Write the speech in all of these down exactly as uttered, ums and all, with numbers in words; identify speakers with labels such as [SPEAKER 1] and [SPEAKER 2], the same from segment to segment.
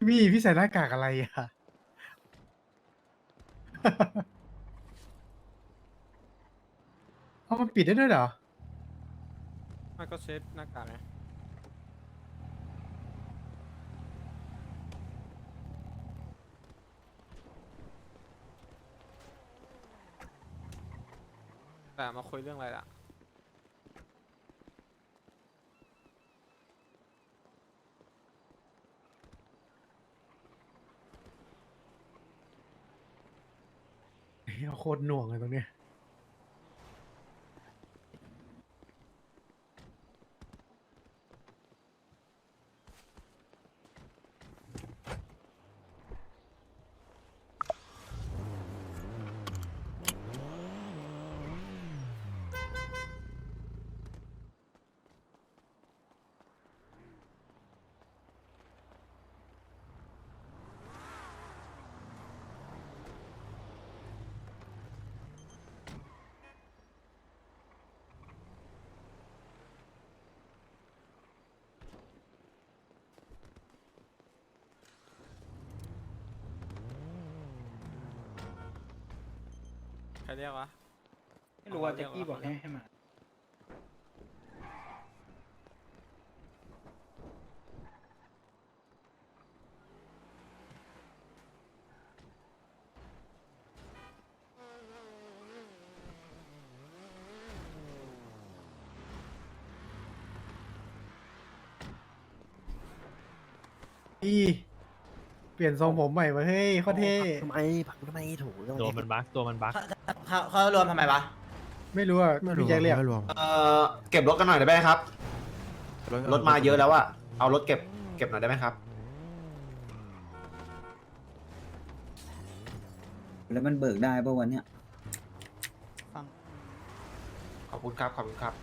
[SPEAKER 1] พี่พี่ใส่หน้ากากอะไรอ่ะ เอามันปิดได้ด้วยเหรอ
[SPEAKER 2] มันก็เช็ดหน้ากากไงแต่มาคุยเรื่องอะไรล่ะ
[SPEAKER 1] เฮ้ยโคตรหน่วงเลยตรงเนี้ย
[SPEAKER 2] ใครเรียกวะ
[SPEAKER 3] ไม่รู้ว่าแจ็คกี้บอกให้ให้มา
[SPEAKER 1] พี่เปลี่ยนทรงผมใหม่มาเฮ้ยโคตรเท่
[SPEAKER 4] ทำไมผักทำไมถูก
[SPEAKER 5] ตัวมันบั๊กตัวมันบั๊ก
[SPEAKER 6] เขาเขารวมทำไมวะ
[SPEAKER 1] ไม่รู้อ่ะ
[SPEAKER 4] ไม่รู้
[SPEAKER 1] พี่แจ็คเรียก
[SPEAKER 4] ไม่รวม
[SPEAKER 6] เออเก็บรถกันหน่อยได้ไหมครับ รถมาเยอะแล้วอะเอารถเก็บเก็บหน่อยได้ไหมครับ
[SPEAKER 7] แล้วมันเบิกได้ป่ะวันเนี้ย
[SPEAKER 6] ขอบคุณครับ ขอบคุณครับ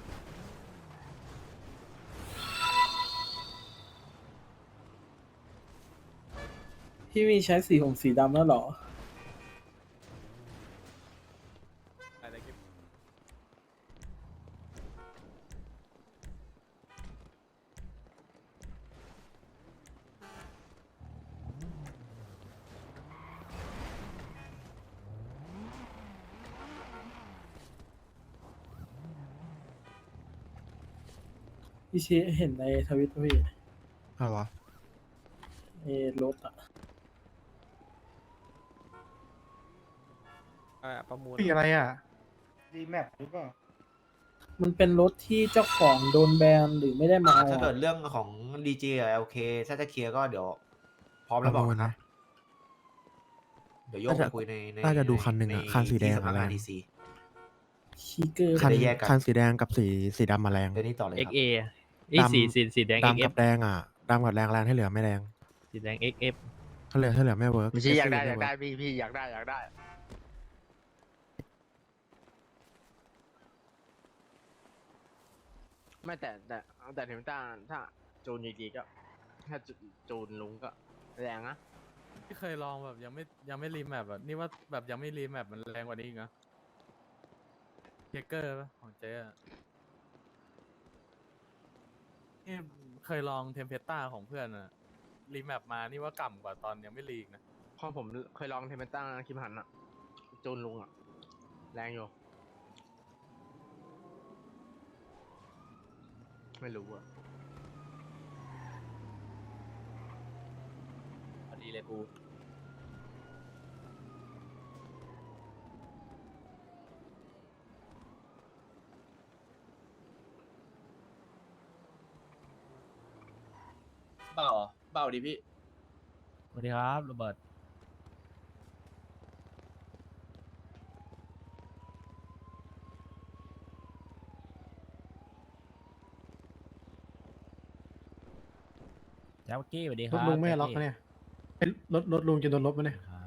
[SPEAKER 3] พี่มีใช้สีผมสีดำแล้วเหรอ
[SPEAKER 2] อะไรกิ๊บ
[SPEAKER 3] พี่เชเห็นในทวิตพี่
[SPEAKER 4] อะไรวะ
[SPEAKER 3] เอรถอะ
[SPEAKER 2] อะไรอะประมูล
[SPEAKER 1] พี่อะไรอ่ะ
[SPEAKER 3] ดีแมปหรือเปล่า มันเป็นรถที่เจ้าของโดนแบนหรือไม่ได้มาเอา
[SPEAKER 6] ถ้าเกิด
[SPEAKER 3] อะ
[SPEAKER 6] เรื่องของดีเจกับ แอล เค ถ้าจะเคลียร์ก็เดี๋ยว พร้อมแล้วบอกนะครับ เดี๋ยวโยกไปคุยในใน
[SPEAKER 4] น่าจะดูคันหนึ่งอะ
[SPEAKER 6] ใ
[SPEAKER 4] คันสีแดง
[SPEAKER 6] ที่สำนักงาน
[SPEAKER 4] อะไร
[SPEAKER 6] ดีซี
[SPEAKER 3] ชิเกอร์
[SPEAKER 4] คัน
[SPEAKER 6] จะได้แยกกัน
[SPEAKER 4] คันสีแดงกับสีสีดำมาแรง
[SPEAKER 6] เดี๋ยวนี้ต่อเลยค
[SPEAKER 5] เอ็ก
[SPEAKER 6] รับ
[SPEAKER 5] เอไอ้สีสีสีแดง
[SPEAKER 4] ดำ
[SPEAKER 5] เอ็
[SPEAKER 4] กั
[SPEAKER 5] ก
[SPEAKER 4] บแดงอ่ะดำกับแดงแรงให้เหลือไม่แรง
[SPEAKER 5] สีแดงเอ็กเอฟ
[SPEAKER 4] ถ้าเหลือถ้าเหลือไม่เวิร์ก
[SPEAKER 5] ไม่ใช่อยากได้อยากได้พี่พี่อยากได้อยากได้ ไม่แต่แต่แต่ถึงถ้าถ้าจูนดีๆก็ถ้าจูนลุงก็แรงนะ
[SPEAKER 8] ที่เคยลองแบบยังไม่ยังไม่รีแมปแบบนี่ว่าแบบยังไม่รีแมปมันแรงกว่านี้อีกนะเทเกอร์ปะของเจ๊อะนี่เคยลองเทมเพสต้าของเพื่อนอะรีแมปมานี่ว่ากล่ำกว่าตอนยังไม่รีกนะ
[SPEAKER 5] พอผมเคยลองเทมเปต้าคิมหันอะจูนลุงอะแรงอยู่ ไม่รู้อะพอดีเลยกู
[SPEAKER 9] เบาเบาดิพี่
[SPEAKER 5] สวัสดีครับโรเบิร์ตแจ็คกี้สวัสดีค
[SPEAKER 1] ร
[SPEAKER 5] รั
[SPEAKER 1] ถ
[SPEAKER 5] บ
[SPEAKER 1] ลุงไม่ล็อก
[SPEAKER 5] แจ็ค
[SPEAKER 1] นะ
[SPEAKER 5] กี้
[SPEAKER 1] เนี่ยเป็นรถรถลุงจะโดนลบไหมเนี่ย
[SPEAKER 5] ครับ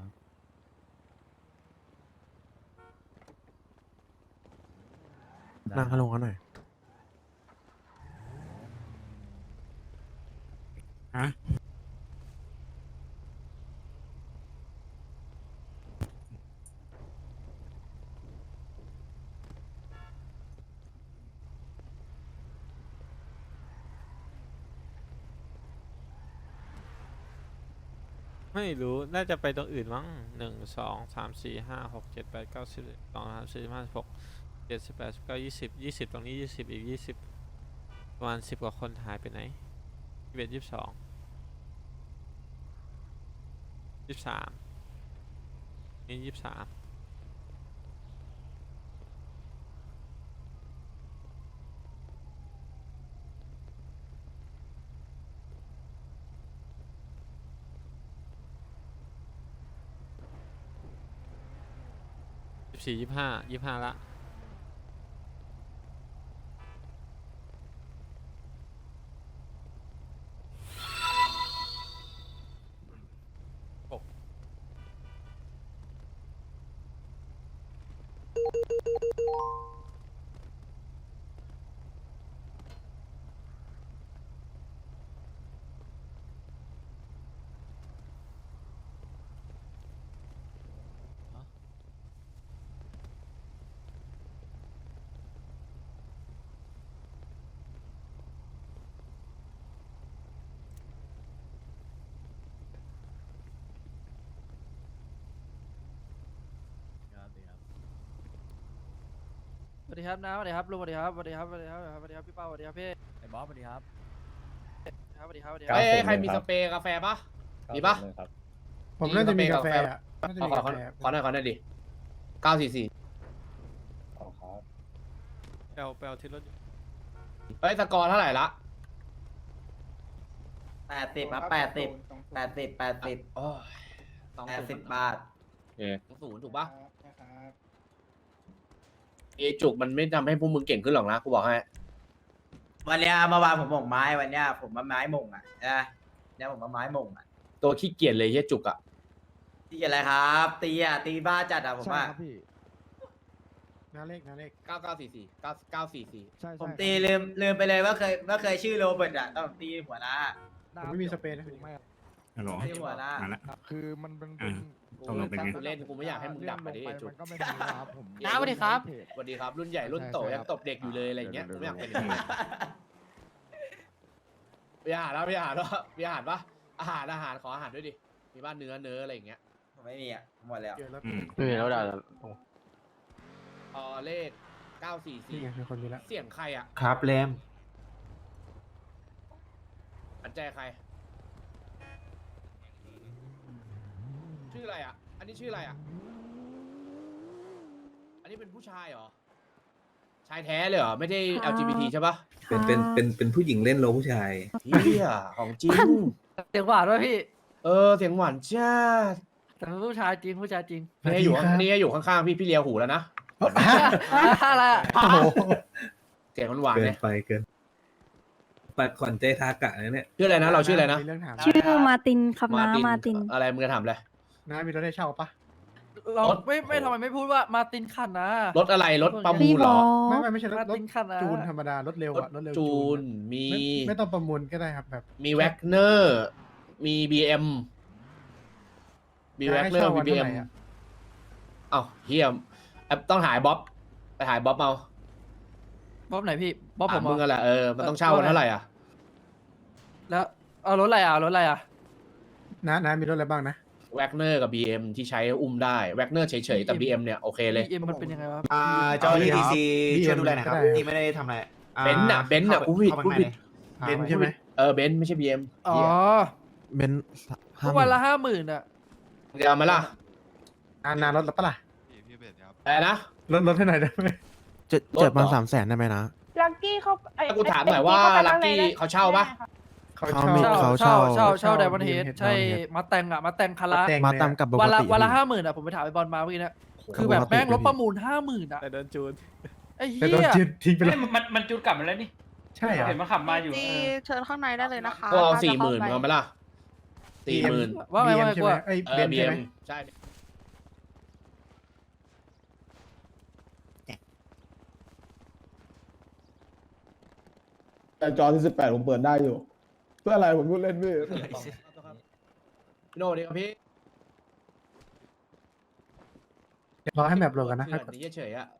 [SPEAKER 4] นั่งให้ลงกันหน่อย
[SPEAKER 9] ฮะ
[SPEAKER 2] ไม่รู้น่าจะไปตรงอื่นมั้งหนึ่งสองสามสี่ห้าหกเจ็ดแปดเก้าสิบสองสามสี่ห้าหกเจ็ดสิบแปดสิบเก้ายี่สิบยี่สิบตรงนี้ยี่สิบอีกยี่สิบประมาณสิบกว่าคนหายไปไหนยี่สิบเอ็ดยี่สิบสองยี่สิบสามนี่ยี่สิบสามสี่ยี่ห้ายี่ห้าละหก
[SPEAKER 10] สวัสดีครับนะสวัสดีครับลุงสวัสดีครับสวัสดีครับสวัสดีครับสวัสดีครับพี่เป้าสวัสดีครับพี่
[SPEAKER 8] ไอ้บอสสวัสดีครับ
[SPEAKER 10] ครับสวัสดีครับสวัสดีค
[SPEAKER 9] เอ้
[SPEAKER 10] รับ
[SPEAKER 9] ยใครมีสเปรย์กาแฟปะมีปะ
[SPEAKER 1] ผมน่าจะมีกาแฟอะน่าจะ
[SPEAKER 9] ขอ
[SPEAKER 1] มี
[SPEAKER 9] ขอก
[SPEAKER 1] าแฟ
[SPEAKER 9] ขอหน่อยขอหน่อยดิเก้าสี่สี่
[SPEAKER 2] แปลวแปลวที่รถอยู่
[SPEAKER 9] เฮ้ยสกอร์เท่าไหร่ละ
[SPEAKER 6] แปดสิบครับแปดสิบแปดสิบแปดสิบ
[SPEAKER 9] โอ้ยสอง
[SPEAKER 6] แปด
[SPEAKER 9] ศู
[SPEAKER 6] สิ
[SPEAKER 9] น
[SPEAKER 6] บ
[SPEAKER 9] ย์
[SPEAKER 6] บาท
[SPEAKER 9] สองศูนย์ถูกปะเอจุกมันไม่ทำให้พวกมึงเก่งขึ้นหรอกนะกูบอกให้
[SPEAKER 6] วันเนี้ยเมื่อวานผมหม่งไม้วันเนี้ยผมมาไม้หม่งอ่ะนะเนี่ยผมมาไม้หม่งอ่ะ
[SPEAKER 9] ตัวขี้เกียจเลยเฮียจุกอ่ะ
[SPEAKER 6] ตีอะไรครับตีอ่ะตีบ้าจัดอ่ะผมว่า
[SPEAKER 1] หน้าเลขหน้าเลข
[SPEAKER 9] เก้าเก้าสี่สี่เก้าเก้าสี่สี่
[SPEAKER 6] ผมตีลืมลืมไปเลยว่าเคยว่าเคยชื่อโรเบิร์ตอ่ะตอนผมตีหัวหน้า
[SPEAKER 1] ผมไม่มีสเปรย์นะ
[SPEAKER 11] ฮัลโหล
[SPEAKER 6] ตีหัวหน้า
[SPEAKER 11] มาละ
[SPEAKER 7] คือมันเป็น
[SPEAKER 11] อ่า ตกลงเป็นไง
[SPEAKER 9] กูเล่นกูไม่อยากให้มึงดับไปดิเอจุก
[SPEAKER 7] มันก็ไม่ดีนะครับผม
[SPEAKER 10] น้าสวัสดีครับ
[SPEAKER 9] สวัสดีครับรุ่นใหญ่รุ่นโตยังตบเด็กอยู่เลยอะไรเงี้ยกูไม่อยากเป็นอย่างนี้มีอาหารแล้วมีอาหารแล้วมีอาหารปะอาหารอาหารขออาหารด้วยดิมีบ้านเนื้อเนื้ออะไรอย่างเงี้ย
[SPEAKER 6] ผมไม่มีอ่ะหมดแล้ว
[SPEAKER 1] เจอแล้ว
[SPEAKER 11] อืม
[SPEAKER 5] ไม่มีแล้วด่า
[SPEAKER 9] เออเลขเก้าสี่
[SPEAKER 1] นี่
[SPEAKER 9] สี่
[SPEAKER 1] ไงเป็นคนมีแล้ว
[SPEAKER 9] เสียงใครอ่ะ
[SPEAKER 6] ครับเลม
[SPEAKER 9] อันใจใคร ชื่ออะไรอ่ะ อันนี้ชื่ออะไรอ่ะ อันนี้เป็นผู้ชายเหรอ ชายแท้เลยเหรอ ไม่ได้ แอล จี บี ที ใช่ปะ
[SPEAKER 7] เป็นเป็นเป็นเป็นผู้หญิงเล่นโลผู้ชาย
[SPEAKER 9] เฮียของจริง
[SPEAKER 10] เสียงหวานด้วยพี่
[SPEAKER 9] เออ เสียงหวานจ้า
[SPEAKER 10] แต่เป็นผู้ชายจริงผู้ชายจริง
[SPEAKER 9] นี่อยู่ข้างนี่อยู่ข้างๆพี่พี่เลียหูแล้วนะ
[SPEAKER 10] อะไรอะ
[SPEAKER 1] โอ้โห
[SPEAKER 9] เสียงหวาน
[SPEAKER 7] เกิ
[SPEAKER 9] ๆ
[SPEAKER 7] น
[SPEAKER 9] เนี่ย
[SPEAKER 7] ไปเกินปัดขวัญใจทากะนะเนี่ย
[SPEAKER 9] ชื่ออะไรนะ เราชื่ออะไรนะ
[SPEAKER 1] มีเรื่องถาม
[SPEAKER 12] ชื่อมาตินครับนะมาติน
[SPEAKER 9] อะไรมึงจะถามอะไร
[SPEAKER 1] น้ามีรถได้เช่าปะ
[SPEAKER 10] เรา
[SPEAKER 9] รถ
[SPEAKER 10] ไม่ไม่ทำไมไม่พูดว่ามาตินขันนะ
[SPEAKER 9] รถอะไร รถประมู
[SPEAKER 12] พี่
[SPEAKER 9] ลเหร
[SPEAKER 12] บอ
[SPEAKER 9] อ
[SPEAKER 1] ไม่
[SPEAKER 12] ส
[SPEAKER 1] ไม่ไม่ใช่รถ
[SPEAKER 10] มาร
[SPEAKER 1] ถ
[SPEAKER 10] ตินขันนะ
[SPEAKER 1] จูนธรรมดารถเร็ว
[SPEAKER 9] รถ
[SPEAKER 1] อะรถเร็ว
[SPEAKER 9] จูน
[SPEAKER 1] อะ
[SPEAKER 9] มี
[SPEAKER 1] ไม่ไม่ต้องประมูลก็ได้ครับแบบ
[SPEAKER 9] มีแว็กเนอร์ มีบีเอ็มมีแว็กเนอร์ มีบีเอ็มเอ้าเฮียแอปต้องหายบ๊อบ ไปหายบ๊อบเอา
[SPEAKER 10] บ๊อบไหนพี่บ๊อบผ
[SPEAKER 9] ถาม
[SPEAKER 10] ม
[SPEAKER 9] มึง
[SPEAKER 10] เหร
[SPEAKER 9] กั
[SPEAKER 10] อน
[SPEAKER 9] แหละเออ มันต้องเช่ากันเท่าไหร่อ่ะ
[SPEAKER 10] แล้วเอารถอะไรอ่ะรถอะไรอ่ะ
[SPEAKER 1] น้าน้ามีรถอะไรบ้างนะ
[SPEAKER 9] แว็กเนอร์กับบีเอ็มที่ใช้อุ้มได้ แว็กเนอร์เฉยๆ แต่บีเอ็มเนี่ยโอเคเลย
[SPEAKER 10] เอ็มมันเป็นยังไงวะ
[SPEAKER 6] อ่าเจ้าหน้าที่ทีซี
[SPEAKER 1] บีเอ็ม
[SPEAKER 6] ช่วยดูแลหน่อยครับ
[SPEAKER 1] ก็ได้
[SPEAKER 6] ที่ไม่ได้ทำอะไรอ่า
[SPEAKER 9] เบนซ์น่ะเบนซ์น่ะ
[SPEAKER 6] ข้าไป
[SPEAKER 9] กูผิด
[SPEAKER 6] เข้า
[SPEAKER 9] กู
[SPEAKER 6] ไป
[SPEAKER 9] ผิด
[SPEAKER 6] ข้างใน
[SPEAKER 1] เบนซ์ใช่ไหม
[SPEAKER 9] เออเบนซ์ไม่ใช่บีเอ็ม
[SPEAKER 10] อ๋อ
[SPEAKER 4] เบนซ์
[SPEAKER 10] ทุ
[SPEAKER 4] ห้าก ห
[SPEAKER 10] วัน
[SPEAKER 4] มื่น
[SPEAKER 10] ละห้าหมื่นอ่ะ
[SPEAKER 9] มึงจะเอามาล่ะ
[SPEAKER 1] นานารถแล้วปะล่ะ
[SPEAKER 9] อะไรนะ
[SPEAKER 1] รถรถให้หน่อยได้ไหม
[SPEAKER 4] เจ็ด
[SPEAKER 9] รถ
[SPEAKER 4] เจ็ดพัน
[SPEAKER 9] เหรอ
[SPEAKER 4] สามแสนได้ไหมนะ
[SPEAKER 12] ลักกี้เขา
[SPEAKER 9] ถ้ากูถามหน่อยว่าลักกี้เขาเช่าปะ
[SPEAKER 1] เขา
[SPEAKER 4] เขา
[SPEAKER 1] เช่า
[SPEAKER 4] มี
[SPEAKER 10] เช่า
[SPEAKER 4] เขา
[SPEAKER 10] เช่าเช่าเช่า
[SPEAKER 1] เช่า
[SPEAKER 10] ไดมอนเฮด
[SPEAKER 1] Diamond Head
[SPEAKER 10] ใช่
[SPEAKER 4] Diamond Head
[SPEAKER 10] มาแต่งอ่ะมาแต่งคารา
[SPEAKER 1] แต่ง
[SPEAKER 4] มา
[SPEAKER 1] เลย
[SPEAKER 4] ตาม
[SPEAKER 1] อะ
[SPEAKER 4] กับปก
[SPEAKER 10] วันละ
[SPEAKER 4] ติ
[SPEAKER 10] วันละ
[SPEAKER 4] พี่
[SPEAKER 10] ห้าหมื่นอ่ะผมไปถามไอ้บอลมาเมื่อกี้นะคือ
[SPEAKER 4] ป
[SPEAKER 10] แบบ
[SPEAKER 4] กติ
[SPEAKER 10] แม่งรถ
[SPEAKER 4] พี่
[SPEAKER 10] ประมูลห้าหมื่นอ่ะ
[SPEAKER 2] แต่เดินจูน
[SPEAKER 10] ไอ้
[SPEAKER 1] แต่
[SPEAKER 10] เหี้
[SPEAKER 1] โดน
[SPEAKER 10] ย
[SPEAKER 1] จืดทิ้งไปแล้ว
[SPEAKER 8] มันมันจุดกลับมาแล้วนี่
[SPEAKER 1] ใช่เหรอ
[SPEAKER 8] เห็นมันขับมาอยู่
[SPEAKER 12] จีเชิญข้างในได้เลยนะคะ
[SPEAKER 9] ก็เอา
[SPEAKER 12] ถ้าจะ
[SPEAKER 9] สี่ห
[SPEAKER 12] เข้า
[SPEAKER 9] มื่น
[SPEAKER 12] ไป
[SPEAKER 9] เอาไหมล่ะสี่หมื่น
[SPEAKER 10] ว่าไง
[SPEAKER 1] บีเอ็
[SPEAKER 10] ว่าม ไง
[SPEAKER 1] ใช่
[SPEAKER 10] กู
[SPEAKER 1] ไหม
[SPEAKER 10] อะ
[SPEAKER 1] ไอ้ย
[SPEAKER 9] เอ
[SPEAKER 1] เบ
[SPEAKER 9] อน บี
[SPEAKER 1] ใช่
[SPEAKER 9] เอ็
[SPEAKER 1] ไหม
[SPEAKER 9] มใช่
[SPEAKER 7] แต่จอที่สิบแปดผมเปิดได้อยู่ เพื่ออะไรผมพูดเล่นพี่
[SPEAKER 9] พี่โน่ดีครับพี่
[SPEAKER 1] รอให้แมปโหลดกันนะ
[SPEAKER 9] เถื่อนนี่เฉยๆอ่ะ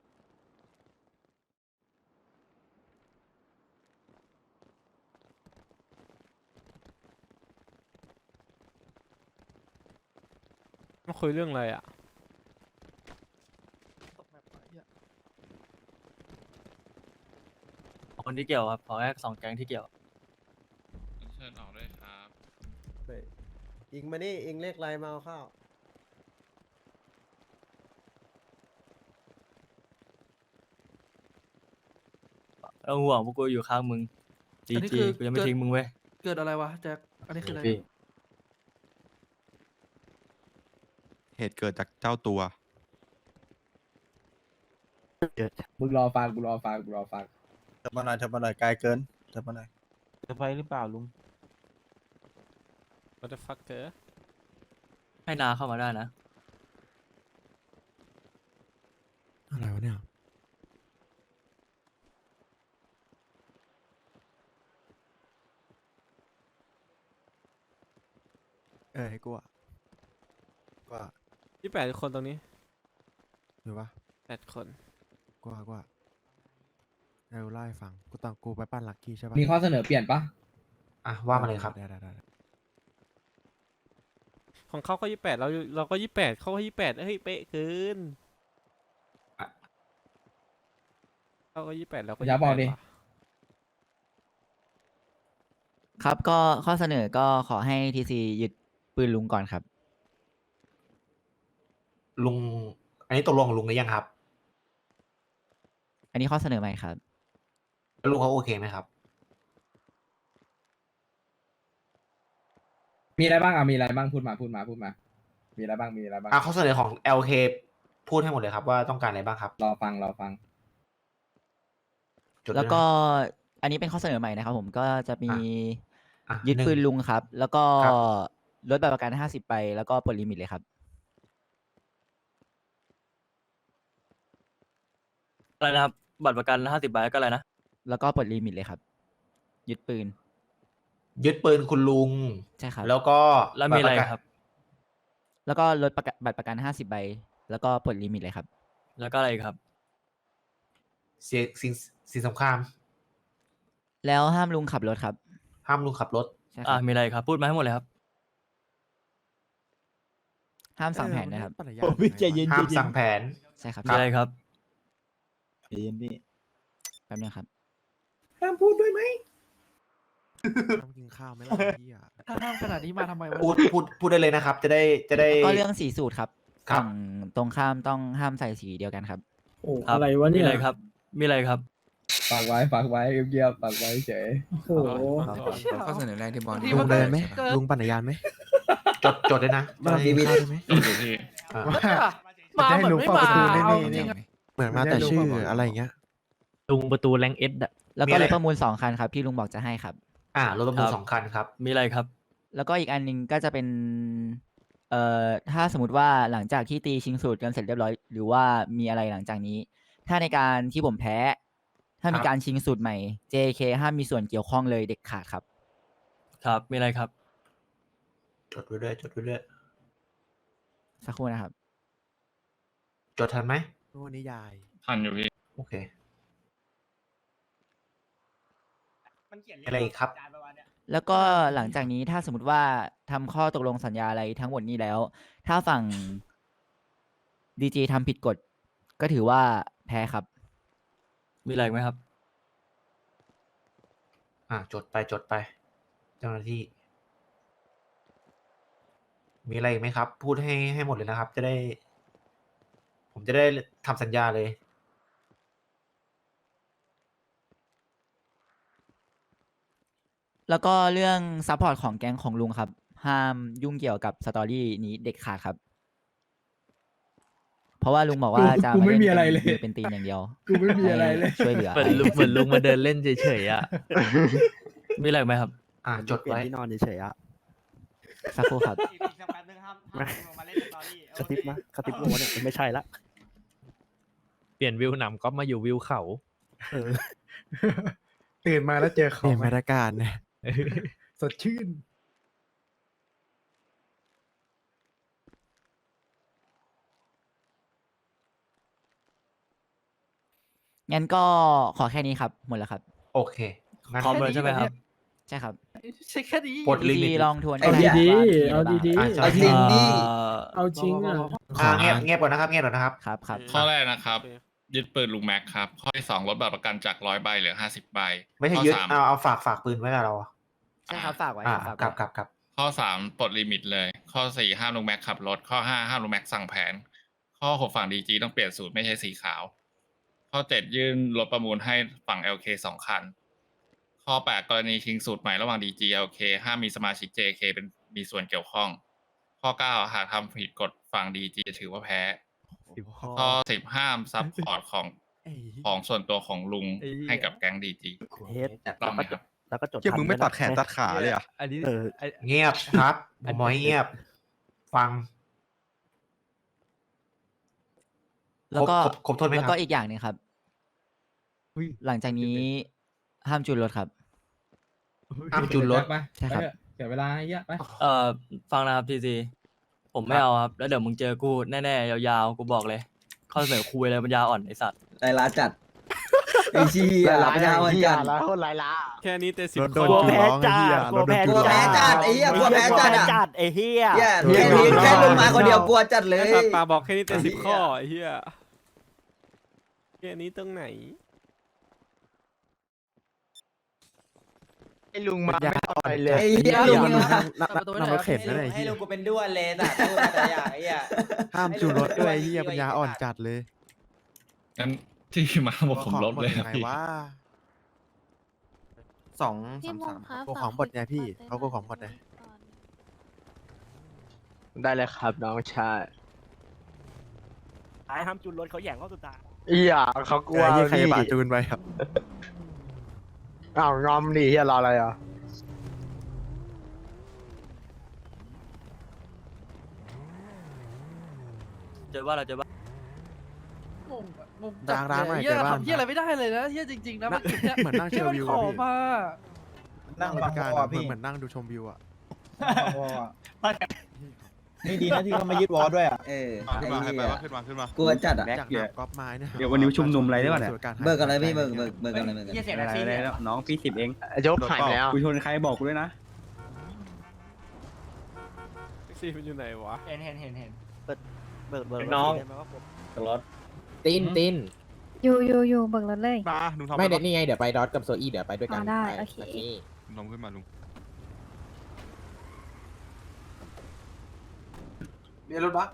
[SPEAKER 2] มาคุยเรื่องอะไรอ่ะ
[SPEAKER 8] คนที่เกี่ยวครับขอแค่สองแก๊งที่เกี่ยว
[SPEAKER 11] เชิญออกด้วยครับ
[SPEAKER 1] อิงมานี่อิงเลขไรมาเอาข้าว
[SPEAKER 8] เอาห่วงพวกกูอยู่ข้างมึงจี
[SPEAKER 10] อันนี้
[SPEAKER 8] จี
[SPEAKER 10] คือ
[SPEAKER 8] กูยังไม่
[SPEAKER 10] เกิด
[SPEAKER 8] ทิ้งมึงเว้ย
[SPEAKER 10] เกิดอะไรวะแจ็ค อันนี้คืออะไร
[SPEAKER 11] เหตุเกิดจากเจ้าตัว
[SPEAKER 3] มึงรอฟังกูรอฟังกูรอฟัง
[SPEAKER 1] เธอมาหน่อยเธอมาหน่อยไกลเกินเธอมาหน่อย
[SPEAKER 6] จะไปหรือเปล่าลุง
[SPEAKER 2] what the fuck เธอ
[SPEAKER 8] ให้นาเข้ามาได้นะ
[SPEAKER 4] อะไรวะเนี่ย เออให้กูอะกูอะ
[SPEAKER 2] ยี่แปดคนตรงนี้
[SPEAKER 4] หรือวะ
[SPEAKER 2] แปดคน
[SPEAKER 4] กูอะกูอะเออเล่าให้ฟัง กูตอนกูไปปั้นลักกี้ใช่ปะ
[SPEAKER 3] มีข้อเสนอเปลี่ยนปะ
[SPEAKER 6] อ่ะว่ามาเลยครับ
[SPEAKER 4] ได้ได้ได้
[SPEAKER 2] ของเขาก็ยี่แปดเราเราก็ยี่แปดเขาก็ยี่แปดเฮ้ยเป๊ะเกิน
[SPEAKER 6] อ่ะ
[SPEAKER 2] เขาก็ยี่แปดเราก็
[SPEAKER 3] อย่าบอกดิ
[SPEAKER 2] ว่ะ
[SPEAKER 10] ครับก็ข้อเสนอก็ขอให้ทีซียึดปืนลุงก่อนครับ
[SPEAKER 6] ลุง อันนี้ตกลงของลุงหรือยังครับ
[SPEAKER 10] อันนี้ข้อเสนอใหม่ครับ
[SPEAKER 6] แล้วลุงเขาโอเคไหมครับ
[SPEAKER 3] มีอะไรบ้างอ่ะมีอะไรบ้างพูดมาพูดมาพูดมา มีอะไรบ้างมีอะไรบ้าง
[SPEAKER 6] อ่ะข้อเสนอของ แอล เค พูดให้หมดเลยครับว่าต้องการอะไรบ้างครับ
[SPEAKER 3] รอฟังรอฟัง
[SPEAKER 6] จดด้วยนะ
[SPEAKER 10] แล้วก็อันนี้เป็นข้อเสนอใหม่นะครับผมก็จะมี
[SPEAKER 6] อ่ะ
[SPEAKER 10] ยึด
[SPEAKER 6] หนึ่ง
[SPEAKER 10] ปืนลุงครับ แล้วก็
[SPEAKER 6] ครับ
[SPEAKER 10] ลดแบบประกันห้าสิบไปแล้วก็ปลดลิมิตเลยครับ
[SPEAKER 8] อะไรนะครับ บัตรประกันห้าสิบใบก็อะไรนะ
[SPEAKER 10] แล้วก็ปลดลิมิตเลยครับ ยึดปืน
[SPEAKER 6] ยึดปืนคุณลุง
[SPEAKER 10] ใช่ครับ
[SPEAKER 6] แล้วก็
[SPEAKER 8] แล้วมีอะไร
[SPEAKER 6] ตปกั
[SPEAKER 8] ครับ
[SPEAKER 10] แล้วก็ลดประกันบัตรประกันห้าสิบใบแล้วก็ปลดลิมิตเลยครับ
[SPEAKER 8] แล้วก็อะไรอีกครับ
[SPEAKER 6] เสียสิ่งสิ่งสงคราม
[SPEAKER 10] แล้วห้ามลุงขับรถครับ
[SPEAKER 6] ห้ามลุงขับรถ
[SPEAKER 10] ใช่ค
[SPEAKER 8] อ่า
[SPEAKER 10] รับ
[SPEAKER 8] มีอะไรครับ พูดมาให้หมดเลยครับ
[SPEAKER 10] ห้ามสั่งแผนนะครับ
[SPEAKER 4] เออมัให้ปั่นจักรยาน
[SPEAKER 6] ห้ามสั่งแผน
[SPEAKER 10] ใช่ครับ
[SPEAKER 8] มีอะไรครับ
[SPEAKER 10] แป๊บนึงครับ
[SPEAKER 3] ห้ามพูดด้วยไหม
[SPEAKER 4] ต้องกินข้าวไหมล่ะพี่อะ
[SPEAKER 10] ถ้าห้ามขนาดนี้มาทำไมวะ
[SPEAKER 6] พูดพูดพูดได้เลยนะครับ จะได้จะได้
[SPEAKER 10] ก็เรื่องสีสูตรครับ
[SPEAKER 6] ครับ
[SPEAKER 10] ฝั่งตรงข้ามต้องห้ามใส่สีเดียวกันครับ
[SPEAKER 3] โอ้
[SPEAKER 8] ครับ
[SPEAKER 3] อะไรวะ
[SPEAKER 8] มี
[SPEAKER 3] เนี่ย
[SPEAKER 8] อะไรครับ มีอะไรครับ
[SPEAKER 3] ฝากไว้ฝากไว้เงียบๆฝากไว้เฉยโอ้โห
[SPEAKER 10] ข้อเสนอแรกที่บอล
[SPEAKER 4] ลุงเดินไหมลุงปั่นจักรยานไหม
[SPEAKER 6] จดจดเลยนะ
[SPEAKER 4] มาลองกินข้าวได้ไหม
[SPEAKER 6] อ่า
[SPEAKER 1] ว่าจะให้ลุงเฝ้าประตูนี่นี่นี่
[SPEAKER 4] เหมือนมาแต่ชื่ออะไรอย่างเงี้ย
[SPEAKER 8] ลุงประตูแรงเอส
[SPEAKER 10] แล้ว
[SPEAKER 6] มี
[SPEAKER 10] ก็
[SPEAKER 6] อะไร
[SPEAKER 10] รถประมูลสองคันครับที่ลุงบอกจะให้ครับ
[SPEAKER 6] อ่ารถประมูล
[SPEAKER 8] ครับ
[SPEAKER 6] สองคันครับ
[SPEAKER 8] มีอะไรครับ
[SPEAKER 10] แล้วก็อีกอันหนึงก็จะเป็น เอ่อ ถ้าสมมติว่าหลังจากที่ตีชิงสูตรกันเสร็จเรียบร้อย หรือว่ามีอะไรหลังจากนี้ ถ้าในการที่ผมแพ้ ถ้ามี
[SPEAKER 6] ครับ
[SPEAKER 10] การชิงสูตรใหม่ เจ เค ห้ามมีส่วนเกี่ยวข้องเลยเด็ดขาดครับ
[SPEAKER 8] ครับ มีอะไรครับ
[SPEAKER 6] จดไว้ด้วยจดไว้ด้วย
[SPEAKER 10] สักครู่นะครับ
[SPEAKER 6] จดทันไหม
[SPEAKER 4] วันนี้ยาย
[SPEAKER 11] ทันอยู่พี่
[SPEAKER 6] โอเคอะไรอีกครับ
[SPEAKER 10] แล้วก็หลังจากนี้ถ้าสมมติว่าทำข้อตกลงสัญญาอะไรทั้งหมดนี้แล้ว ถ้าฝั่งดีจีทำผิดกฎ ก็ถือว่าแพ้ครับ
[SPEAKER 8] มีอะไรอีกไหมครับ
[SPEAKER 6] อ่าจดไปจดไป เจ้าหน้าที่ มีอะไรอีกไหมครับ พูดให้ให้หมดเลยนะครับ จะได้ ผมจะได้ทำสัญญาเลย
[SPEAKER 10] แล้วก็เรื่องซัพพอร์ตของแก๊งของลุงครับ ห้ามยุ่งเกี่ยวกับสตอรี่นี้เด็ดขาดครับ เพราะว่าลุงบอกว่าจะ
[SPEAKER 3] กูไม่
[SPEAKER 10] าล่น
[SPEAKER 3] มีอะไร
[SPEAKER 10] ป็น
[SPEAKER 3] เลย
[SPEAKER 10] เป็นตีนอย่างเดียว
[SPEAKER 3] กูไม่มีอะไรเลย
[SPEAKER 10] ช่วยเหลือ
[SPEAKER 8] เหมือนลุงเหมือนลุงมาเดินเล่นเฉยๆอ่ะ มีอะไรอีกไหมครับ
[SPEAKER 6] อ่าจดไว้
[SPEAKER 4] ที่นอนเฉยๆอะ
[SPEAKER 10] สักครู่ครับ
[SPEAKER 4] กระติบนะกระติบลงมาเนี่ยไม่ใช่ละ
[SPEAKER 8] เปลี่ยนวิวหนำก็มาอยู่วิวเขา
[SPEAKER 4] เออ
[SPEAKER 1] ตื่นมาแล้วเจอ
[SPEAKER 4] เป
[SPEAKER 1] เขา
[SPEAKER 4] ลี่ยน
[SPEAKER 1] ไหม
[SPEAKER 4] บรรยากาศเนี่ย
[SPEAKER 1] สดชื่น
[SPEAKER 10] งั้นก็ขอแค่นี้ครับ หมดแล้วครับ
[SPEAKER 6] โอเคงั้น
[SPEAKER 8] พร้อมเลยใช่ไหมครับ
[SPEAKER 10] ใช่ครับ
[SPEAKER 5] ใช่แค่นี้
[SPEAKER 6] ปลดลิมิต
[SPEAKER 10] ดีลองทวน
[SPEAKER 3] เอา
[SPEAKER 10] ก็ไ
[SPEAKER 3] ดีๆ
[SPEAKER 10] ว่า
[SPEAKER 3] เอาดี
[SPEAKER 6] อ่ะ
[SPEAKER 3] ๆ
[SPEAKER 6] ใช่
[SPEAKER 7] เอาจริงดิ
[SPEAKER 3] เอาจริงอ่ะ
[SPEAKER 6] อ่าเงียบเงียบก่อนนะครับเงียบก่อนนะครับ
[SPEAKER 10] ครับครับ
[SPEAKER 11] ข้อแรกนะครับ ยึดปืนลุงแม็กครับ ข้อที่สองลดบัตรประกันจากร้อยใบเหลือห้าสิบใบ
[SPEAKER 6] ไม่ใช่
[SPEAKER 11] ข้อ
[SPEAKER 6] ยึด
[SPEAKER 11] สาม
[SPEAKER 6] เอาเอาฝากฝากปืนไว้กับเราอะ
[SPEAKER 10] ใช่ครับฝากไว้
[SPEAKER 6] อ่า
[SPEAKER 10] ฝาก
[SPEAKER 6] ครั
[SPEAKER 10] ไว้
[SPEAKER 6] บครับครับ
[SPEAKER 11] ข้อสามปลดลิมิตเลย ข้อสี่ห้ามลุงแม็กขับรถ ข้อห้าห้ามลุงแม็กสั่งแผน ข้อหกฝั่งดีจีต้องเปลี่ยนสูตรไม่ใช่สีขาว ข้อเจ็ดยื่นรถประมูลให้ฝั่ง แอล เค สองคัน ข้อแปดกรณีชิงสูตรใหม่ระหว่าง ดี จี แอล เค ห้ามมีสมาชิก เจ เค เป็นมีส่วนเกี่ยวข้อง ข้อเก้าหากทำผิดกฎฝั่ง ดี จี จะถือว่าแพ้ ข้อสิบห้ามซัพพอร์ตของของส่วนตัวของลุงให้กับแก๊ง ดี จี ต้องไหมครับ
[SPEAKER 4] แล้วก็จด
[SPEAKER 11] เกี่ยมึงไม่ตัดแขนตัดขาเลยอ่ะ
[SPEAKER 4] อันนี้เออ
[SPEAKER 6] เงียบครับผมบอกให้เงียบ ฟัง
[SPEAKER 10] แล้วก็
[SPEAKER 6] ครบครบครบถ้วนไหมครับ
[SPEAKER 10] แล้วก็อีกอย่างหนึงครับ หลังจากนี้ห้ามจูนรถครับ
[SPEAKER 6] ห้ามจูนรถ
[SPEAKER 10] ใช่ครับ
[SPEAKER 3] เสียเวลาเยอะไป
[SPEAKER 8] เอ่อฟังนะครับทีซีผมไม่เอาครับ แล้วเดี๋ยวมึงเจอกูแน่ๆยาวๆกูบอกเลยข้อเสนอคุยอะไรปัญญาอ่อนไอสัตว์
[SPEAKER 7] ไรล้าจัดไอ้ชี้ยหลับยาวเหมือนกัน
[SPEAKER 5] แล้วหลายล้า
[SPEAKER 2] แค่นี้แต่สิบ
[SPEAKER 4] รถโด
[SPEAKER 2] ข้
[SPEAKER 4] น
[SPEAKER 2] อ
[SPEAKER 4] จูนร้องไอ้เหี้ยรถโดน
[SPEAKER 7] ก
[SPEAKER 4] จู
[SPEAKER 7] ลั
[SPEAKER 4] น
[SPEAKER 7] ว
[SPEAKER 4] ร้อง
[SPEAKER 7] แพ้จัดไอ้เหี้ยกลัวแพ้จัดอ่ะ
[SPEAKER 10] จัดไอ้เหี้ย
[SPEAKER 7] เหี้ยแค่นี้แค่ลงมาคนเดียวกลัวจัดเลย
[SPEAKER 2] ไอ้สัตว์ปาบอกแค่นี้แต่สิบข้อไอ้เหี้ยแค่นี้ตรงไหน
[SPEAKER 5] ไอ้ลุงมา
[SPEAKER 4] อย่า
[SPEAKER 5] ไม่
[SPEAKER 4] อ่
[SPEAKER 5] เอา
[SPEAKER 4] อน
[SPEAKER 5] ไป
[SPEAKER 4] ใจ
[SPEAKER 5] เลย
[SPEAKER 7] ไอ้เหี้ยลุง
[SPEAKER 4] มัน
[SPEAKER 7] มา
[SPEAKER 4] นั่งนั่งนั่งรถเข็นนั่นแหละไอ้เหี้ย
[SPEAKER 9] กูเป็นด้วนเลยนะพูดมาแต่อย่างไอ้เหี้ย
[SPEAKER 4] ห้ามจูนรถด้วยไอ้เหี้ยปัญญาอ่อนจัดเลย
[SPEAKER 11] งั้นที่มาบอกผมลบเลย
[SPEAKER 4] ของหมด
[SPEAKER 11] นะ
[SPEAKER 4] ยังไง
[SPEAKER 11] พี่
[SPEAKER 4] วะสองสามสามกูของหมดไงพี่เขากูของหมดไง
[SPEAKER 5] ได้เลยครับน้องชาย
[SPEAKER 9] ไอ้ห้ามจุนรถเขาแย่งเขาสุดท้าย
[SPEAKER 5] อีหย่าเขากลัว
[SPEAKER 4] ไอ้เหี้ยใคร
[SPEAKER 5] พี่
[SPEAKER 4] บาดจูนไปครับ
[SPEAKER 5] อ้าวงอมดิเฮียรออะไรอ่ะ
[SPEAKER 8] เจอว่าเราเจอว่า
[SPEAKER 4] ร้างร้านใหม่เจอบ้าน
[SPEAKER 3] เฮียอะไรไม่ได้เลยนะเฮียจริงๆนะ
[SPEAKER 4] นั่งเหมือนนั่งเชลวิว
[SPEAKER 3] ข
[SPEAKER 4] อะ
[SPEAKER 3] อ
[SPEAKER 4] พี่
[SPEAKER 3] มา
[SPEAKER 4] นั่งบรรยากาศอะเหมือนเหมือนนั่งดูชมวิวอะ
[SPEAKER 9] นี่ดีนะที่เขามายึดวอลด้วยอ่ะ
[SPEAKER 7] เออ
[SPEAKER 11] ขึ้น
[SPEAKER 7] ไอ้
[SPEAKER 11] มา
[SPEAKER 7] เหี้ย
[SPEAKER 11] ขึ้นมาขึ้นมา
[SPEAKER 7] กลัวจัดอ่ะ
[SPEAKER 4] จากหนักก๊อปไม้เนี่ย
[SPEAKER 9] เดี๋ยววันนี้ชุมนุมอะไรได้ป่ะเนี่ย
[SPEAKER 7] เบิกอะไรพี่เบิกเบิกเบิกอะไรเบิกอะไร
[SPEAKER 9] เสียงอะไรแล้วน้องพี่สิบเอง
[SPEAKER 5] ยกหายไปแล้ว
[SPEAKER 9] กูชนใครบอกกูด้วยนะ
[SPEAKER 2] แท็กซี่มันอยู่ไหนวะ
[SPEAKER 9] เห็นเห็นเห็นเห็น
[SPEAKER 10] เบิกเบิก
[SPEAKER 9] น้อง
[SPEAKER 8] รถ
[SPEAKER 3] ตินติน
[SPEAKER 12] อยู่อยู่อยู่เบิกรถเลย
[SPEAKER 11] มาลุงทอม
[SPEAKER 3] ไม่เด็ดนี่ไงเดี๋ยวไปดอทกับโซอี้เดี๋ยวไปด้วยกัน
[SPEAKER 12] อ่าได้โอเค
[SPEAKER 11] ลุงทอมขึ้นมาลุง
[SPEAKER 6] เรียนรถบัส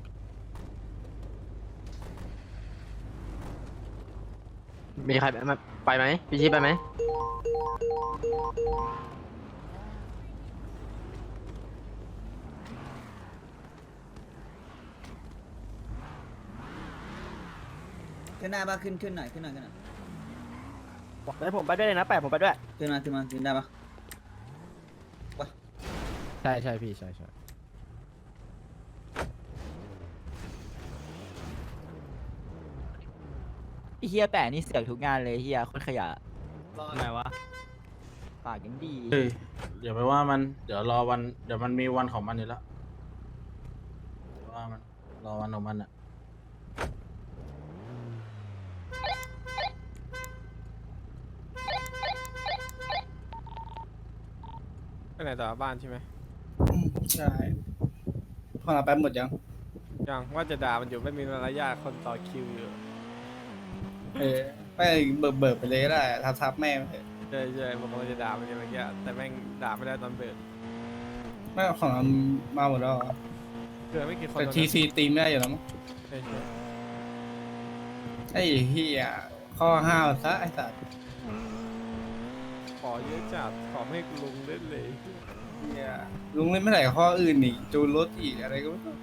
[SPEAKER 5] มีใครไปไหมไปไหมพี่ชี้ไปไหม
[SPEAKER 7] ขึ้นหน้าปะขึ้นขึ้นหน่อยขึ้นหน่อยขึ้นหน่อย
[SPEAKER 9] ไปผมไปด้วยเลยนะแปะผมไปด้วย
[SPEAKER 7] ขึ้นมาขึ้นมาขึ้นได้ปะ
[SPEAKER 3] ใช่ใช่พี่ใช่ใช่
[SPEAKER 10] ไอ้เหี้ยแปะนี่เสือกทุกงานเลยเหี้ยโคนขยะ
[SPEAKER 8] ไงวะ
[SPEAKER 10] ปากยังดี
[SPEAKER 3] เฮ้ยอย่าไปว่ามันเดี๋ยวรอวันเดี๋ยวมันมีวันของมันอยู่แล้วว่ามันรอวันของมันอ่ะ
[SPEAKER 2] ไปไหนต่อบ้านใช่ไหม
[SPEAKER 3] ใช่พอเราแป๊บหมดยัง
[SPEAKER 2] ยังว่าจะด่ามันอยู่ไม่มีมารยาทคนต่อคิวอยู่
[SPEAKER 3] เออไม่เบิกเบิกไปเลยก็ได้ทับทับแม่ไป
[SPEAKER 2] ใช่ใช่ผมกำลังจะด่ามันอยู่เมื่อกี้แต่แม่งด่าไม่ได้ตอนเบิก
[SPEAKER 3] แม่ของเรามาหมดแล้ว
[SPEAKER 2] เกิดไม่กี่คน
[SPEAKER 3] แต่ทีซีตีไม่ได้อยู่แล้วมั้ง
[SPEAKER 2] ใช่ใช่
[SPEAKER 3] ไอ้เฮียข้อห้าวซะไอ้สัตว์
[SPEAKER 2] ขอเยอะจัดขอไม่ให้ลุงเล่นเลย
[SPEAKER 3] เฮียลุงเล่นไม่ไหนข้ออื่นอีกจูนรถอีกอะไรก็ไม่รู้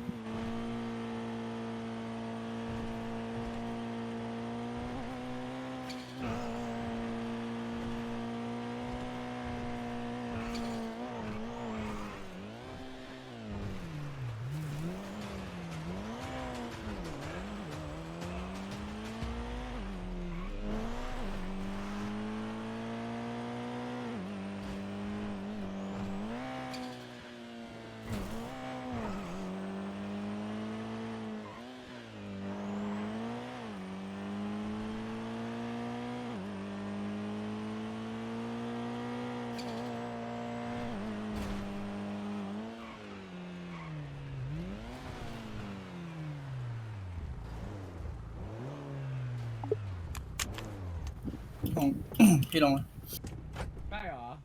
[SPEAKER 7] พี่ลง
[SPEAKER 8] ได้เหรอ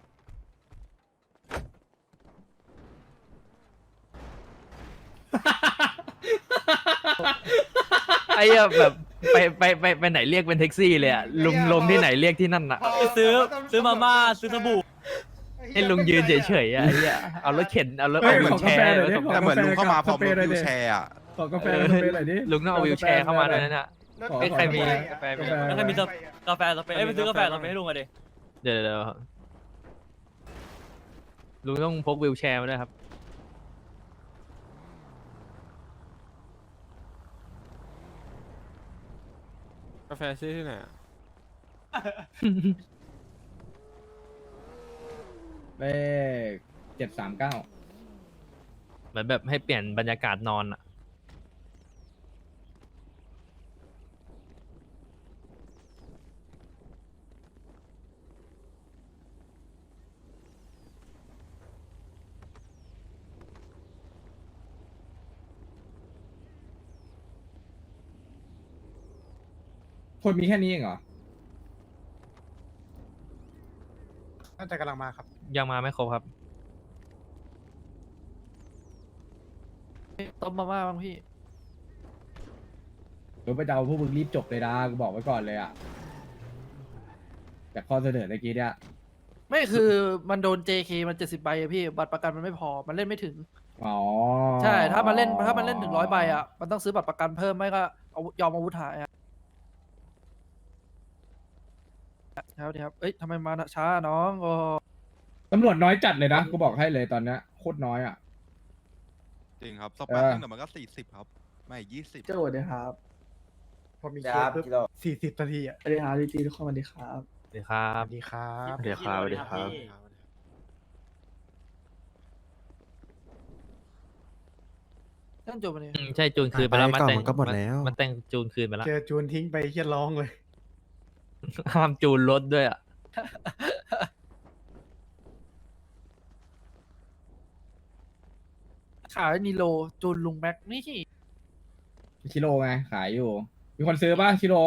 [SPEAKER 5] ไอ้เหี้ยแบบไปไปไปไปไหนเรียกเป็นแท็กซี่เลยอะลุงลงที่ไหนเรียกที่นั่นอะ
[SPEAKER 1] ซื้อซื้อมาม่าซื้อสบู่
[SPEAKER 5] ให้ลุงยืนเฉยๆอะไอ้เหี้ยเอารถเข็นเอารถ
[SPEAKER 8] เฮ้
[SPEAKER 5] เอา
[SPEAKER 8] ย
[SPEAKER 5] วิ
[SPEAKER 8] ข
[SPEAKER 5] ว
[SPEAKER 8] อ
[SPEAKER 5] แช
[SPEAKER 8] กาแฟ
[SPEAKER 5] ร์
[SPEAKER 8] หน่อยดิ
[SPEAKER 5] ไว้
[SPEAKER 8] ขอ
[SPEAKER 4] แต่เหมือนลุงเข้ามาพร้อมรถ
[SPEAKER 8] สเปรย์หน่อยดิ
[SPEAKER 4] วิวแชร์อ่ะ
[SPEAKER 8] ขอกาแฟสเปรย์หน่อยดิ
[SPEAKER 5] ลุงต้องเอาวิวแชร์เข้ามาด้วยนั่นน่ะ
[SPEAKER 8] ขอ
[SPEAKER 5] เอ้ยใครมี
[SPEAKER 8] กาแฟ
[SPEAKER 5] กาแฟ
[SPEAKER 8] กาแฟ
[SPEAKER 5] แล้วใครมีส
[SPEAKER 1] กาแฟสเปรย์เอ้ยไปซื้อกาแฟสเปรย์ให้ลุงมาดิ
[SPEAKER 5] เดี๋ยวเดี๋ยวลุงต้องพกวิวแชร์มาด้วยครับ
[SPEAKER 2] กาแฟซื้อที่ไหนอะ
[SPEAKER 8] เลขเจ็ดสามเก้า
[SPEAKER 5] เหมือนแบบให้เปลี่ยนบรรยากาศนอนอะ
[SPEAKER 8] คนมีแค่นี้เองเหรอ
[SPEAKER 1] น่าจะกำลังมาครับ
[SPEAKER 5] ยังมาไม่ครบครับ
[SPEAKER 13] ต้มมาม่าบ้างพี่
[SPEAKER 8] หรือไปเดาพวกมึงรีบจบเลยนะกูบอกไว้ก่อนเลยอ่ะจากข้อเสนอเมื่อกี้เนี่ย
[SPEAKER 13] ไม่คือมันโดน เจ เค มันเจ็ดสิบใบอะพี่ บัตรประกันมันไม่พอ มันเล่นไม่ถึง
[SPEAKER 8] อ๋อ
[SPEAKER 13] ใช่ ถ้ามันเล่น ถ้ามันเล่นถึงร้อยใบอะมันต้องซื้อบัตรประกันเพิ่มไม่ก็เอายอมอาวุธหายอะครับดีครับ เอ้ยทำไมมาช้าน้องโอ้
[SPEAKER 8] ตำรวจน้อยจัดเลยนะกูบอกให้เลยตอนเนี้ยโคตรน้อยอ่ะ
[SPEAKER 4] จริงครับส
[SPEAKER 8] เอ
[SPEAKER 4] ปาร์
[SPEAKER 8] อ
[SPEAKER 4] ติ้งเดี๋ยวมันก็สี่สิบครับ ไม่ยี่สิบ
[SPEAKER 13] เจ้าสวัสดีครับ
[SPEAKER 1] พอมี
[SPEAKER 6] ค
[SPEAKER 1] เค
[SPEAKER 6] รั
[SPEAKER 1] ส
[SPEAKER 6] บ
[SPEAKER 1] ปุ๊บ
[SPEAKER 6] กิโล
[SPEAKER 1] สี่สิบนาทีอ่ะ
[SPEAKER 13] สวัสดีครับดีจีทุกคนสวัสดีครับ
[SPEAKER 5] สวัสดีครั
[SPEAKER 1] ส
[SPEAKER 5] บ
[SPEAKER 1] วัสดีครับ
[SPEAKER 5] สวัสดีครับสวัสดีครับ
[SPEAKER 13] นั่นจบไปเลย
[SPEAKER 5] อืมใช่จูนคืนไปแล้ว
[SPEAKER 4] ไป
[SPEAKER 5] มัน
[SPEAKER 4] ก่อน
[SPEAKER 5] แต่ง
[SPEAKER 4] มันก็หมดแล้ว
[SPEAKER 5] มันแต่งจูนคืนไปแล้ว
[SPEAKER 1] เจอจูนทิ้งไปเฮียร้องเลย
[SPEAKER 5] ห้ามจูนรถด้วยอ่ะ
[SPEAKER 13] ขายนิโลจูนลุงแม็กนี่
[SPEAKER 8] ชิโร่ไงขายอยู่ มีคนซื้อป่ะชิโร่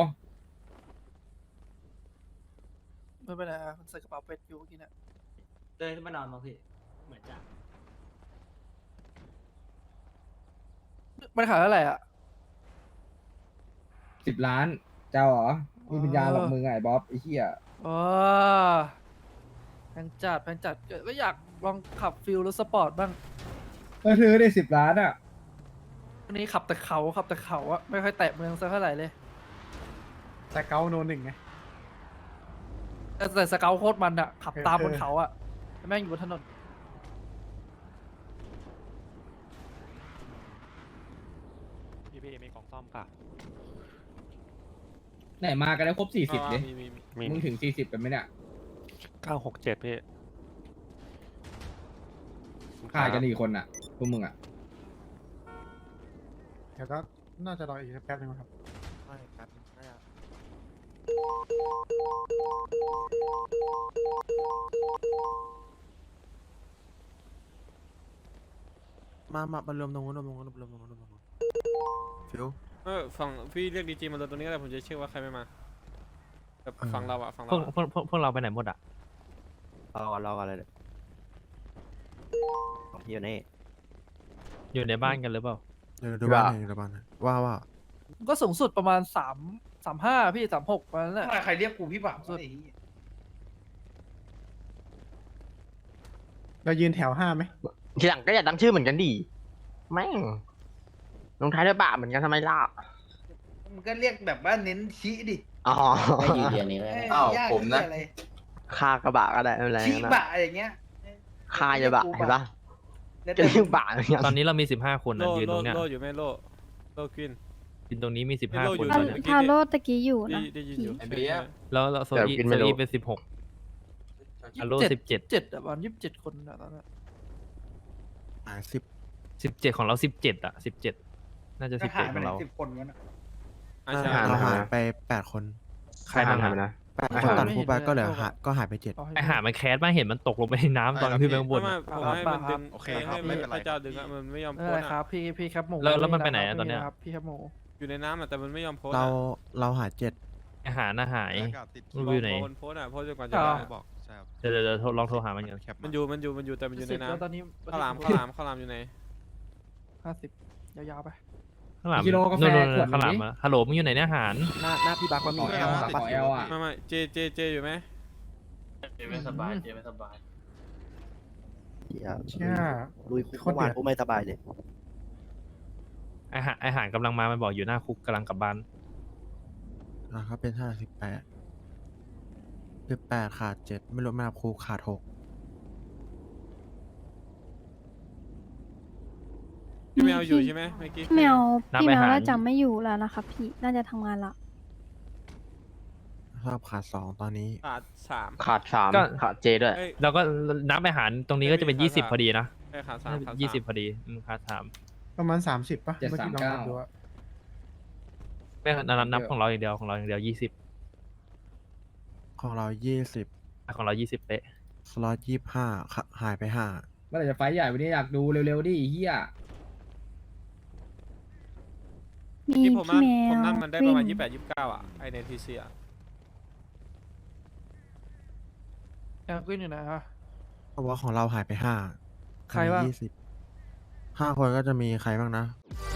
[SPEAKER 13] ไม่เป็นไรอะมันใส่กระเป๋าเป็ดอยู่เมื่อกี้เนี่ย
[SPEAKER 6] เดินขึ้นมานอนมั้งพี่เหมือนจะ
[SPEAKER 13] มันขายเท่าไหร่อ่ะ
[SPEAKER 8] สิบล้าน เจ้าเหรอมีปัญญาหรอกมึงไงบ๊อบไอ้เหี้ย
[SPEAKER 13] อ๋อแพงจัดแพงจัดก็อยากลองขับฟิลรถสปอร์ตบ้าง
[SPEAKER 8] ก็ซื้อได้สิบล้านอ่ะ
[SPEAKER 13] วันนี้ขับแต่เขาขับแต่เขาอะไม่ค่อยแตะเมืองสักเท่าไหร่เลย
[SPEAKER 1] แต่เกาโนหนึ่งไง
[SPEAKER 13] แต่แต่สเกลโคตรมันอะขับตามบน
[SPEAKER 1] เออ
[SPEAKER 13] เขาอะแม่งอยู่บนถนน
[SPEAKER 5] พี่พี่มีกล่องซ่อมค่ะ
[SPEAKER 8] ไหนมากันแล้วครบสี่สิบดิ
[SPEAKER 2] มีมีมี
[SPEAKER 8] มึงถึงสี่สิบกันไหมเนี่ย
[SPEAKER 5] เก้าหกเจ็ดพี่
[SPEAKER 8] ขายกันอีกคนอ่ะพวกมึงอ่ะ
[SPEAKER 1] เดี๋ยวก็น่าจะรออีกแป๊บนึงครับ
[SPEAKER 4] ไม่ครับน่าจะมามามารวมตรงนู้นรวมตรงนู้นรวมตรงนู้นรวมตรงนู้นฟิว
[SPEAKER 2] เออฝั่งพี่เรียกดีจีมาเลยตรงนี้ก็ได้ผมจะเชื่อว่าใครไม่มาแบบฝั่งเราอะฝั่ง
[SPEAKER 5] พว
[SPEAKER 2] เรา
[SPEAKER 5] ก
[SPEAKER 2] อะ
[SPEAKER 5] พวกพวกพวกเราไปไหนหมดอ่ะ
[SPEAKER 6] รอก่อนรอก่อนเลยเดี๋ยวอยู่นี่
[SPEAKER 5] อยู่ในบ้านกันหรือเปล่า
[SPEAKER 4] เดี๋ยวดูบ้านหน่อยดูบ้านหน่อยว่าว่า
[SPEAKER 13] ก็สูงสุดประมาณสามสามห้าพี่สามหกประมาณนั้นแหละ
[SPEAKER 6] ใครเรียกกูพี่บ่าว
[SPEAKER 13] สุด
[SPEAKER 1] เรายืนแถวห้าไหม
[SPEAKER 5] ทีหลังก็อย่าตั้งชื่อเหมือนกันดิแม่งลงท้ายด้วยบาเหมือนกันทำไมล่ะ
[SPEAKER 6] มันก็เรียกแบบว่าเน้นชี้ดิ
[SPEAKER 5] อ๋อ
[SPEAKER 6] ไม่ยืนเดียวนี้อ้าวผมนะ
[SPEAKER 5] คากระบะก็ได้ไม่เป็นไร
[SPEAKER 6] ชี้
[SPEAKER 5] นะ
[SPEAKER 6] บะอย่างเงี้ย
[SPEAKER 5] คาจะบะเห็นปะจะเรียกบะเหมือนกันตอนนี้เรามีสิบห้าคน
[SPEAKER 2] โล
[SPEAKER 5] นะยืน
[SPEAKER 2] โล
[SPEAKER 5] ตรงเนี้ย
[SPEAKER 2] โลอยู่ไหมโลโลกวิน
[SPEAKER 5] ยืนตรงนี้มีสิบห้า
[SPEAKER 2] โล
[SPEAKER 5] ค
[SPEAKER 2] อยู่
[SPEAKER 5] น
[SPEAKER 2] ต
[SPEAKER 5] ต
[SPEAKER 2] ร
[SPEAKER 5] อง น
[SPEAKER 2] นี้
[SPEAKER 5] เนี้ย
[SPEAKER 12] ทาโร่ตะกี้อยู่
[SPEAKER 2] ได้
[SPEAKER 12] นะ
[SPEAKER 2] ได้ยินอยู่
[SPEAKER 6] ไอ้เบี้ย
[SPEAKER 5] แล้วแล้วโซอีโซอีเป็นสิบหก ฮัลโหลสิบเจ็ด
[SPEAKER 13] เจ็ดอะประมาณยี่สิบเจ็ดคนอะตอนนั้น
[SPEAKER 4] หายสิบ
[SPEAKER 5] สิบเจ็ดของเราสิบเจ็ดอ่ะสิบเจ็ดน่าจะสิบเจ็ดของเรา
[SPEAKER 6] สิบคนกันอะ
[SPEAKER 2] อ่ะใช่
[SPEAKER 4] เราหายไปแปดคน
[SPEAKER 5] ใครบ้างนะ
[SPEAKER 4] แปดคนตัดคู่ไปก็เหลือหายก็หายไปเจ็ด
[SPEAKER 13] เให้
[SPEAKER 5] ไอหามันแคสมาเห็นมันตกลงไปในน้ำตอนขึ้นไปข้างบน
[SPEAKER 2] ไม่
[SPEAKER 5] อะ
[SPEAKER 2] ไม่ผมให้มันดึง
[SPEAKER 4] โอเคครับ
[SPEAKER 2] ให้
[SPEAKER 4] ไม่เป็นไร
[SPEAKER 2] พระเจ้าดึงอะมันไม่ยอม
[SPEAKER 13] ไม่
[SPEAKER 2] พ้
[SPEAKER 13] เป็น
[SPEAKER 2] น
[SPEAKER 13] ไรครั
[SPEAKER 2] อะ
[SPEAKER 13] บพี่พี่ครับหมู
[SPEAKER 5] แล้วแล้วมันไปไหนอะ
[SPEAKER 13] ม่
[SPEAKER 5] ตอนเนี้ย
[SPEAKER 13] ครับพี่ครับหมู
[SPEAKER 2] อยู่ในน้ำอะแต่มันไม่ยอมพ้น
[SPEAKER 4] เรา
[SPEAKER 2] อะ
[SPEAKER 4] เราหายเจ็ด
[SPEAKER 8] อาหารน่าหาย มัน
[SPEAKER 2] บ
[SPEAKER 8] อ
[SPEAKER 2] อก
[SPEAKER 8] ยู่ไหน
[SPEAKER 2] บอกคนโพสต์อ่ะโพสต์จนกว่าจะ
[SPEAKER 13] อ๋อ
[SPEAKER 2] ได้
[SPEAKER 4] บอกใช่ครับ
[SPEAKER 8] เดี๋ยวเดี๋ยวเดี๋ยวโทรลองโทรหามันกัน
[SPEAKER 2] มันอยู่มันอยู่มันอยู่แต่มันอยู่ใน
[SPEAKER 13] สิบแล้วตอน
[SPEAKER 2] น้ำ
[SPEAKER 13] นี้
[SPEAKER 2] ข้าวหลามข้าวหลามข้าวหลามอยู่ไหน
[SPEAKER 13] ห้าสิบยาวๆไป
[SPEAKER 8] ข้างหลัง
[SPEAKER 7] กิโลกาแฟ
[SPEAKER 8] นู่นๆ
[SPEAKER 7] ขวด
[SPEAKER 8] ข้างหลัง
[SPEAKER 7] นี้
[SPEAKER 8] อะฮัลโหลมึงอยู่ไหนเนี่ยอาหาร
[SPEAKER 13] หน้าหน้าพี่บักมันมี
[SPEAKER 7] ขอ L อะขอ L อะ
[SPEAKER 2] ไม่ไม่เจเจเจอยู่ไหม
[SPEAKER 3] เจไม่สบายเจไม่สบาย
[SPEAKER 1] เชี่ย
[SPEAKER 5] ลุยคุก
[SPEAKER 1] โคตรเดือด
[SPEAKER 5] กูไม่สบายเลย
[SPEAKER 8] อาหารอาหารกำลังมา มันบอกอยู่หน้าคุกกำลังกลับบ้าน
[SPEAKER 4] อ่าเขาเป็นห้าสิบแปดสิบแปดขาดเจ็ดไม่รู้ไม่นับครูขาดหก
[SPEAKER 2] พี่แมวอยู่ใช่ไหมเมื่อกี้
[SPEAKER 12] พี่แมว
[SPEAKER 8] นับ
[SPEAKER 12] พี่
[SPEAKER 8] ไป
[SPEAKER 12] แมว
[SPEAKER 8] หา
[SPEAKER 12] น่าจะไม่อยู่แล้วนะคะพี่ น่าจะทำงานละ
[SPEAKER 4] ทราบขาดสองตอนนี้
[SPEAKER 2] ขาดสาม
[SPEAKER 5] ขาดสาม
[SPEAKER 8] ก็
[SPEAKER 5] ขาดเจด้วย
[SPEAKER 2] เอ้ย
[SPEAKER 8] แล้วก็นับอาหารตรงนี้ก็จะเป็น
[SPEAKER 2] ไม่มี
[SPEAKER 8] ยี่สิบ
[SPEAKER 2] ขาด
[SPEAKER 8] พอดีนะ
[SPEAKER 2] เอ้ยขาดสามขาด
[SPEAKER 8] ยี่สิบ
[SPEAKER 2] สาม
[SPEAKER 8] พอดีอืมขาดสาม
[SPEAKER 1] ประมาณสามสิบป่ะ
[SPEAKER 7] เจ็ด
[SPEAKER 1] เมื่อกี้ลอง
[SPEAKER 7] สาม
[SPEAKER 1] นับ
[SPEAKER 7] เก้า
[SPEAKER 1] ดูอะ
[SPEAKER 8] ไม่นับนับของเราอย่างเดียวของเราอย่างเดียวยี่สิบ
[SPEAKER 4] ของเรายี่สิบ
[SPEAKER 8] ของเรายี่สิบเป๊ะ
[SPEAKER 4] สล็อตยี่ห้าหายไปห้า
[SPEAKER 7] เมื่อไหร่จะไฟท์ใหญ่วันนี้อยากดูเร็วๆดิไอ้เฮีย
[SPEAKER 12] มี
[SPEAKER 2] ที่ผม
[SPEAKER 12] พี่
[SPEAKER 2] นั่น
[SPEAKER 12] แม
[SPEAKER 2] ผม
[SPEAKER 12] ว
[SPEAKER 2] นั่นมันได้ประมาณ
[SPEAKER 12] วิ่ง
[SPEAKER 2] ยี่สิบแปดยี่สิบเก้าอ่ะไอในทีซีอ่ะ
[SPEAKER 13] อยากขึ้นอยู่นะฮะ
[SPEAKER 4] เพราะว่าของเราหายไปห้า
[SPEAKER 13] ใครบ้าง
[SPEAKER 4] ยี่สิบห้าคนก็จะมีใครบ้างนะ